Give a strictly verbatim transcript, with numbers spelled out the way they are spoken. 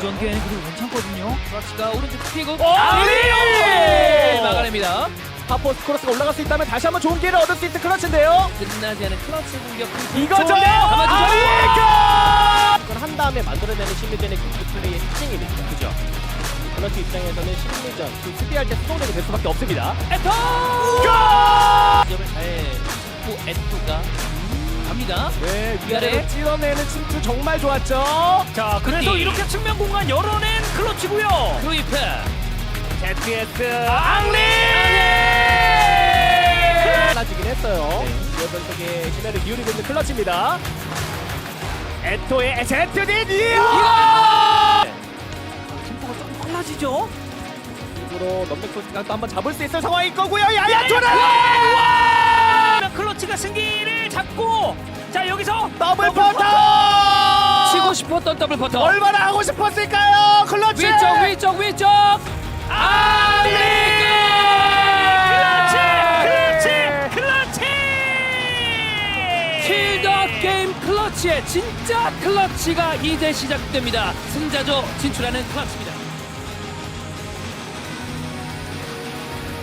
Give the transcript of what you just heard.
전개는 그래도 괜찮거든요. 크러치가 오른쪽 피고 네! 막아냅니다. 하포스 크로스가 올라갈 수 있다면 다시 한번 좋은 기회를 얻을 수 있는 클러치인데요. 끝나지 않은 크러치 공격. 이거죠. 감아주죠. 이걸 한 다음에 만들어내는 심리전의 경기 플레이의 특징입니다. 그죠? 클러치 입장에서는 심리전, 그 수비할 때 수동력이 될 수밖에 없습니다. 에토! 점을 잘 짚고 에토가 갑니다. 네, 위아래. 위아래로 찔러내는 침투 정말 좋았죠. 자, 그래서 이. 이렇게 측면 공간 열어낸 클러치고요. 루이프. 제트에스 앙리! 빨라지긴 했어요. 기어 변속에 심해를 기울이고 있는 클러치입니다. 에토의 제트딘 이어! 템포가 조금 빨라지죠? 으로 넘백 소스가 또 한번 잡을 수 있을 상황일 거고요. 야야 조나! 와! 클러치가 승기를 잡고 자 여기서 더블 퍼터! 치고 싶었던 더블 퍼터. 얼마나 하고 싶었을까요? 클러치! 위쪽 위쪽 위쪽. 앙리! 클러치! 클러치! 클러치! 킬더 게임 클러치의 진짜 클러치가 이제 시작됩니다. 승자조 진출하는 클러치입니다.